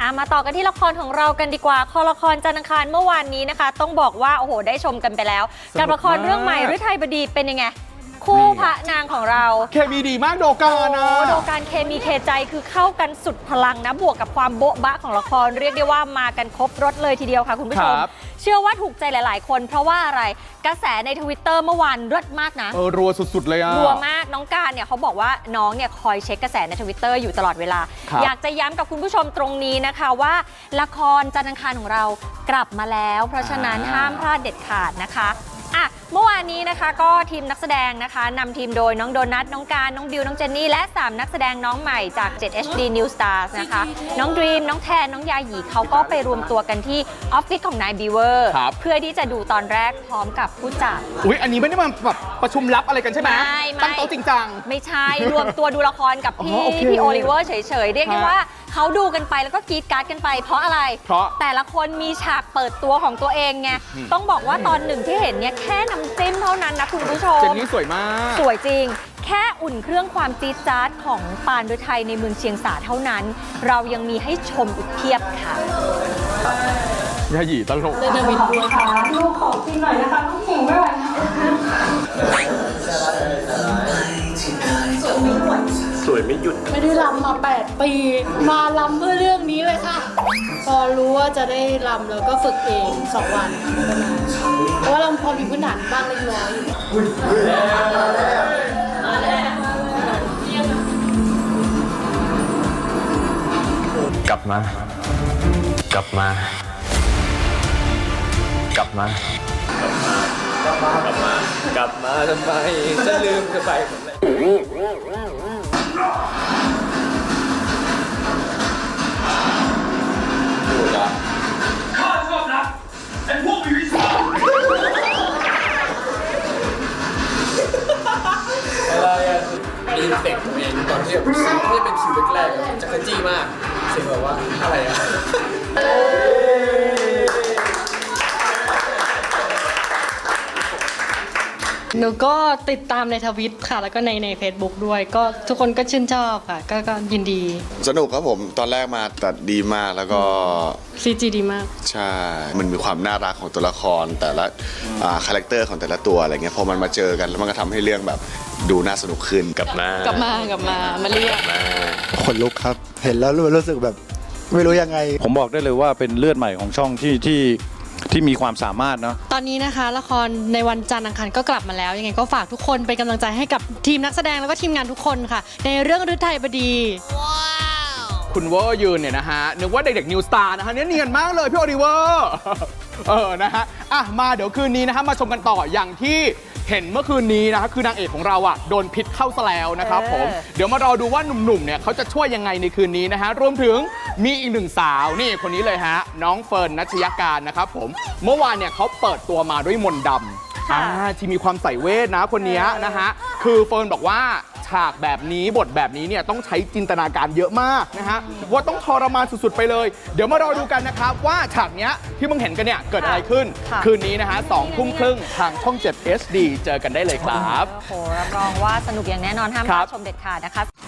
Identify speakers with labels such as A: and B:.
A: มาต่อกันที่ละครของเรากันดีกว่าละครจันทร์อังคารเมื่อวานนี้นะคะต้องบอกว่าโอ้โหได้ชมกันไปแล้วกับละครเรื่องใหม่ฤทัยบดีเป็นยังไงคู่พระนางของเรา
B: เคมีดีมากโดการนะ
A: โดการเคมีเคใจคือเข้ากันสุดพลังนะบวกกับความโบ๊ะบะของละครเรียกได้ว่ามากันครบรถเลยทีเดียวค่ะคุณผู้ชมเชื่อว่าถูกใจหลายๆคนเพราะว่าอะไรกระแสใน Twitter เมื่อวานเลิศมากนะ
B: รัวสุดๆเลยอะ
A: รัวมากน้องการเนี่ยเขาบอกว่าน้องเนี่ยคอยเช็คกระแสใน Twitter อยู่ตลอดเวลาอยากจะย้ำกับคุณผู้ชมตรงนี้นะคะว่าละครจันทร์อังคารของเรากลับมาแล้วเพราะฉะนั้นห้ามพลาดเด็ดขาดนะคะเมื่อวานนี้นะคะก็ทีมนักแสดงนะคะนำทีมโดยน้องโดนัทน้องการน้องดิวน้องเจนนี่และ3นักแสดงน้องใหม่จาก 7HD New Stars นะคะน้องดรีมน้องแทนน้องยาหยีเขาก็ไปรวมตัวกันที่ออฟฟิศของนายบีเวอร์เพื่อที่จะดูตอนแรกพร้อมกับผู้จัด
B: อันนี้ไม่ได้มาแบบประชุมลับอะไรกันใช่ไหมตั้งโต๊ะจริงจัง
A: ไม่ใช่รวมตัวดูละครกับพี่โอลิเวอร์เฉยๆเรียกได้ว่าเขาดูกันไปแล้วก็กรี๊ดการ์ดกันไปเพราะอะไรแต่ละคนมีฉากเปิดตัวของตัวเองไงต้องบอกว่าตอนหนึ่งที่เห็นเนี่ยแค่น้ำจิ้มเท่านั้นนะคุณผู้ชม
B: เจนนี่สวยมาก
A: สวยจริงแค่อุ่นเครื่องความจี๊ดจ๊าดของปานฤทัยในเมืองเชียงสาเท่านั้นเรายังมีให้ชมอีกเพียบค่ะ
B: ยาหยีตลก
C: เดวิดด้วยค่ะลูกขอกินหน่อยนะคะต้องหิวไม่ไหวนะ
D: สวยไม่หยุด
C: ไม่ได้รำมา8 ปีมาลำเพื่อเรื่องนี้เลยค่ะพอรู้ว่าจะได้รำแล้วก็ฝึกเอง2 วันเพราะว่าเราพอมีพื้นฐานบ้างเล็กน้อย
D: กลับมากลับมากลับมากลับมาทำไมจะลืมกันไปหมดเลย
E: ข้าชอบนะไอ้พวกมีวิชา
D: อะไรอ่ะมีเฟกต์ตัวเองตอนที่แบบไม่เป็นคิวแรกๆจักรจี้มากเสียงแบบว่าอะไรอ่ะ
C: หนูก็ติดตามในทวิตค่ะแล้วก็ใน Facebook ด้วยก็ทุกคนก็ชื่นชอบค่ะก็ยินดี
F: สนุกครับผมตอนแรกมาตัดดีมากแล้วก็
C: CG ดีมาก
F: ใช่มันมีความน่ารักของตัวละครแต่ละคาแรคเตอร์ของแต่ละตัวอะไรเงี้ยพอมันมาเจอกันแล้วมันก็ทำให้เรื่องแบบดูน่าสนุกขึ้น
D: กลับมา
C: เรียก
G: คนลุกครับเห็นแล้วรู้สึกแบบไม่รู้ยังไง
H: ผมบอกได้เลยว่าเป็นเลือดใหม่ของช่องที่มีความสามารถเนาะ
C: ตอนนี้นะคะละครในวันจันทร์อังคารก็กลับมาแล้วยังไงก็ฝากทุกคนเป็นกำลังใจให้กับทีมนักแสดงแล้วก็ทีมงานทุกคนค่ะในเรื่องฤทัยบดี
B: คุณเวอร์ยืนเนี่ยนะฮะนึกว่าเด็กๆนิวสตาร์นะฮะเนียนมากเลยพี่โอลิเวอร์นะฮะมาเดี๋ยวคืนนี้นะฮะมาชมกันต่ออย่างที่เห็นเมื่อคืนนี้นะคือนางเอกของเราโดนพิษเข้าซะแล้วนะครับผมเดี๋ยวมารอดูว่าหนุ่มๆเนี่ยเขาจะช่วยยังไงในคืนนี้นะฮะรวมถึงมีอีกหนึ่งสาวนี่คนนี้เลยฮะน้องเฟิร์นณัชยการนะครับผมเมื่อวานเนี่ยเขาเปิดตัวมาด้วยมนต์ดำที่มีความใส่เวทนะคนนี้นะฮะคือเฟิร์นบอกว่าฉากแบบนี้บทแบบนี้เนี่ยต้องใช้จินตนาการเยอะมากนะฮะว่าต้องทรมานสุดๆไปเลยเดี๋ยวมารอดูกันนะครับว่าฉากเนี้ยที่มึงเห็นกันเนี่ยเกิดอะไรขึ้นคืนนี้นะฮะ20:30ทางช่อง 7 HD เจอกันได้เลยครับ
A: โอ้โหรับรองว่าสนุกอย่างแน่นอนห้ามพลาดชมเด็ดขาดนะคะ